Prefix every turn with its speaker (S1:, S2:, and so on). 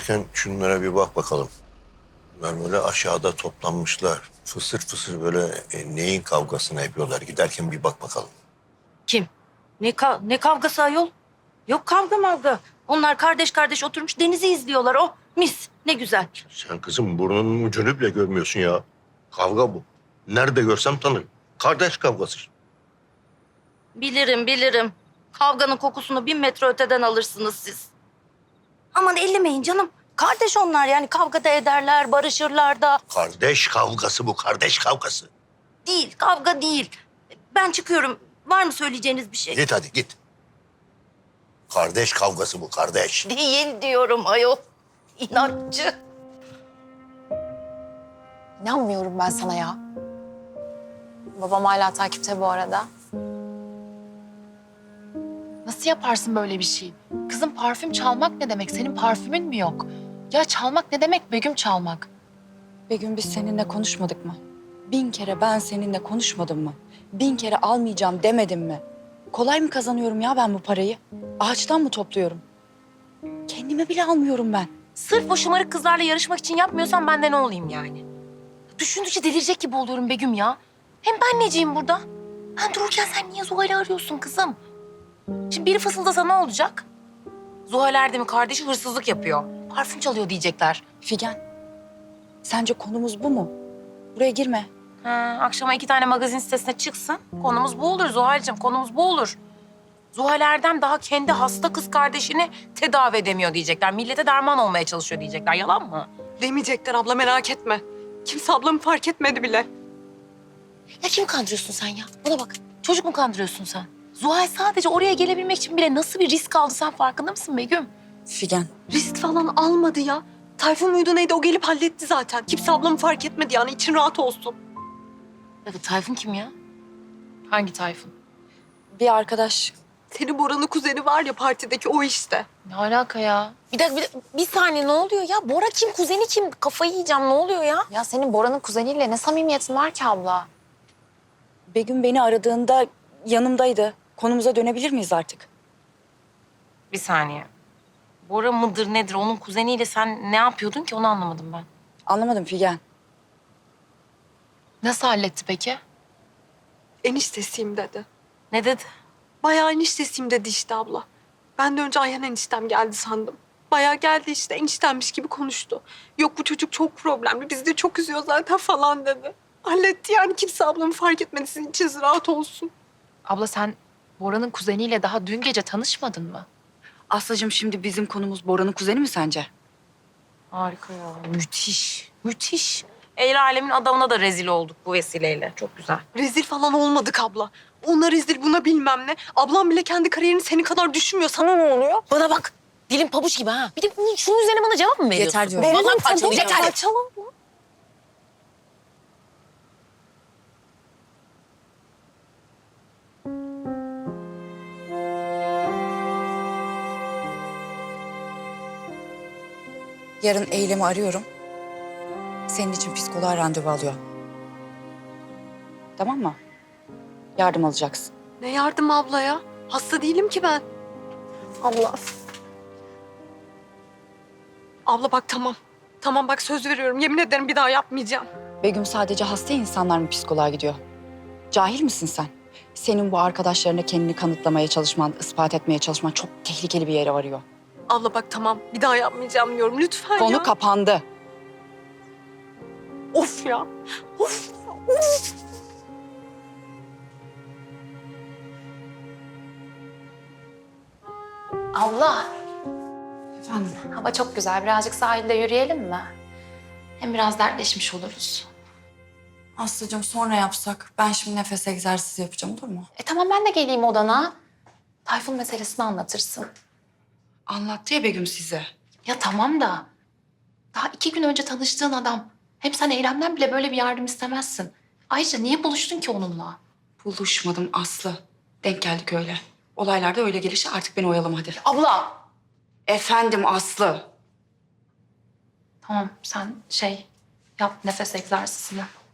S1: gelmişken şunlara bir bak bakalım. Bunlar böyle aşağıda toplanmışlar. Fısır fısır böyle neyin kavgasını yapıyorlar. Giderken bir bak bakalım.
S2: Kim? Ne kavgası ayol? Yok kavga mavga. Onlar kardeş kardeş oturmuş denizi izliyorlar. Oh mis ne güzel.
S1: Sen kızım burnunun ucunu bile görmüyorsun ya. Kavga bu. Nerede görsem tanırım. Kardeş kavgası.
S2: Bilirim. Kavganın kokusunu 1000 metre öteden alırsınız siz. Aman ellemeyin canım. Kardeş onlar yani kavga da ederler, barışırlar da.
S1: Kardeş kavgası bu, kardeş kavgası.
S2: Değil, kavga değil. Ben çıkıyorum. Var mı söyleyeceğiniz bir şey?
S1: Git hadi git. Kardeş kavgası bu, kardeş.
S2: Değil diyorum ayol. İnatçı.
S3: İnanmıyorum ben sana ya. Babam hala takipte bu arada. Nasıl yaparsın böyle bir şey? Kızım parfüm çalmak ne demek? Senin parfümün mü yok? Ya çalmak ne demek Begüm çalmak?
S4: Begüm biz seninle konuşmadık mı? 1000 kere ben seninle konuşmadım mı? 1000 kere almayacağım demedim mi? Kolay mı kazanıyorum ya ben bu parayı? Ağaçtan mı topluyorum? Kendime bile almıyorum ben.
S3: Sırf o şımarık kızlarla yarışmak için yapmıyorsan ben de ne olayım yani? Düşündükçe delirecek gibi oluyorum Begüm ya. Hem ben neciyim burada? Ben dururken sen niye Zuhal'i arıyorsun kızım? Şimdi biri fısıldasa ne olacak? Zuhal Erdem'in kardeşi hırsızlık yapıyor. Parfüm çalıyor diyecekler.
S4: Figen, sence konumuz bu mu? Buraya girme.
S3: Ha, akşama 2 tane magazin sitesine çıksın. Konumuz bu olur Zuhal'cığım, konumuz bu olur. Zuhal Erdem daha kendi hasta kız kardeşini tedavi edemiyor diyecekler. Millete derman olmaya çalışıyor diyecekler. Yalan mı?
S5: Demeyecekler abla merak etme. Kimse ablamı fark etmedi bile.
S3: Ya kimi kandırıyorsun sen ya? Buna bak. Çocuk mu kandırıyorsun sen? Zuhal sadece oraya gelebilmek için bile nasıl bir risk aldı sen farkında mısın Begüm?
S4: Figen,
S5: Risk falan almadı ya. Tayfun muydu neydi o gelip halletti zaten. Kimse ablamı fark etmedi yani için rahat olsun.
S3: Ya Tayfun kim ya? Hangi Tayfun?
S4: bir arkadaş
S5: Senin Bora'nın kuzeni var ya partideki o işte.
S3: Ne alaka ya? Bir dakika, bir saniye ne oluyor ya? Bora kim, kuzeni kim? Kafayı yiyeceğim ne oluyor ya?
S6: Ya senin Bora'nın kuzeniyle ne samimiyetin var ki abla?
S4: Begüm beni aradığında yanımdaydı. Konumuza dönebilir miyiz artık?
S3: Bir saniye. Bora mıdır nedir? Onun kuzeniyle sen ne yapıyordun ki onu anlamadım ben.
S4: Anlamadım Figen.
S3: Nasıl halletti peki?
S5: Eniştesiyim dedi.
S3: Ne dedi?
S5: Bayağı eniştesiyim dedi işte abla. Ben de önce Ayhan eniştem geldi sandım. Bayağı geldi işte eniştemmiş gibi konuştu. Yok bu çocuk çok problemli bizi de çok üzüyor zaten falan dedi. Halletti yani kimse ablamı fark etmedi sizin için rahat olsun.
S6: Abla sen Bora'nın kuzeniyle daha dün gece tanışmadın mı?
S4: Aslıcığım şimdi bizim konumuz Bora'nın kuzeni mi sence?
S3: Harika ya. Müthiş. Müthiş. El alemin adamına da rezil olduk bu vesileyle. Çok güzel.
S5: Rezil falan olmadık abla. Ona rezil buna bilmem ne. Ablam bile kendi kariyerini senin kadar düşünmüyor. Sana ne oluyor?
S3: Bana bak. Dilim pabuç gibi ha. Bir de şunun üzerine bana cevap mı veriyorsun?
S4: Yeter diyorum.
S3: Vallahi parçalayacağım.
S5: Yeter.
S4: Yarın Eylem'i arıyorum. Senin için psikoloğa randevu alıyor. Tamam mı? Yardım alacaksın.
S5: Ne yardım abla ya? Hasta değilim ki ben.
S3: Allah.
S5: Abla bak tamam. Tamam bak söz veriyorum. Yemin ederim bir daha yapmayacağım.
S4: Begüm sadece hasta insanlar mı psikoloğa gidiyor? Cahil misin sen? Senin bu arkadaşlarına kendini kanıtlamaya çalışman, ispat etmeye çalışman çok tehlikeli bir yere varıyor.
S5: Abla bak tamam. Bir daha yapmayacağım diyorum. Lütfen
S4: Konu
S5: ya.
S4: kapandı.
S5: Of ya. Of.
S6: Abla,
S4: Efendim?
S6: hava çok güzel. Birazcık sahilde yürüyelim mi? Hem biraz dertleşmiş oluruz.
S4: Aslıcığım sonra yapsak. Ben şimdi nefes egzersizi yapacağım olur mu?
S6: Tamam ben de geleyim odana. Tayfun meselesini anlatırsın.
S4: Anlattı ya Begüm size.
S6: Ya tamam da daha 2 gün önce tanıştığın adam. Hem sen Eylem'den bile böyle bir yardım istemezsin. Ayrıca niye buluştun ki onunla?
S4: Buluşmadım Aslı. Denk geldik öyle. Olaylar da öyle gelişi artık beni oyalama hadi.
S6: Abla!
S4: Efendim Aslı.
S6: Tamam sen yap nefes egzersizini.